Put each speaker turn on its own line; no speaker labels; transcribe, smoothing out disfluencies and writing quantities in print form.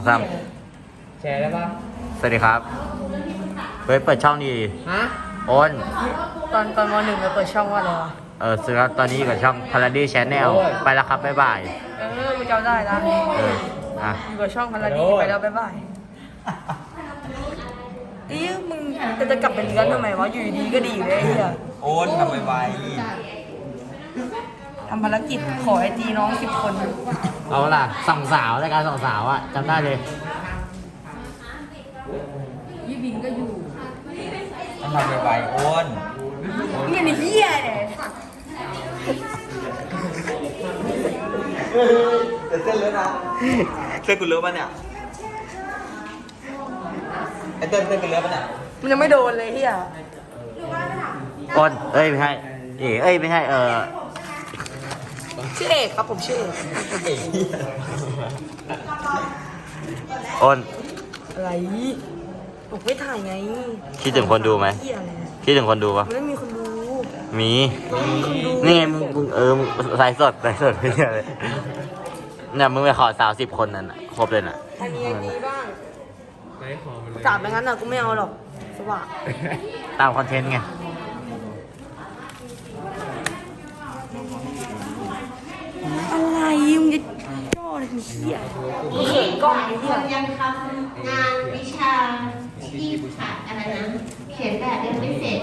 ซ้
แชร์ได้ปะ
ำสวัสดีครับเฮ้ยเปิดช่องดี
ฮะ
โอน
ตอนม.1เราเปิดช่องว่าอะไรวะ
ซื้อครับตอนนี้อยู่กับช่อง Paladin Channel ไปแล้วครับ บ๊ายบาย
มึงจำได้นะ
อ่ะ
อยู่กับช่องพาราดีไปแล้วบ๊ายบายมึงจะกลับเป็นเนื้อทำไมวะอยู่ดีก็ดีอยู่เลยไอ้เหี้ย
โอนทำไว
ทำภารกิจขอไอจีน้อง10 คน
เอาล่ะส่องสาวรายการส่องสาวอ่ะจำได้เลย
ๆต้องทำไวๆโอน
เนี่ยไอ้เหี้ยเนี่ย
แต่เส้นเลอะนะเส้นกูเลอะป่ะเนี่ยไอ้เส้นกูเลอะป่ะเนี่ย
มันยังไม่โดนเลยเหี้ย
โอนไม่ใช่ไม่ใช่
ชื่อเอกครับผมชื่อเอก
โอน
อะไรผมไม่ถ่ายไง
คิดถึงคนดูไหม
เหี้ยอะไร
คิดถึงคนดูปะ
มันไม่มีคนดู
มี
คนดู
นี่ไงมึงมึงไลฟ์สดไม่ใช่เลยเนี่ยมึงไปขอสาว10 คนนั่นน่ะครบเลยน่ะ
ใครมีไอจีบ้างถามไปงั้นน่ะกูไม่เอาหรอกสว่าง
ตามคอนเทนต์ไง
อะไรมึงจะย่อเลยเหี้ยกูเขินกล้องไอ้เหี้ย
ยังทำงานวิชาที่ขาดอะไรนะ เขียนแบบยังไม่เสร็จ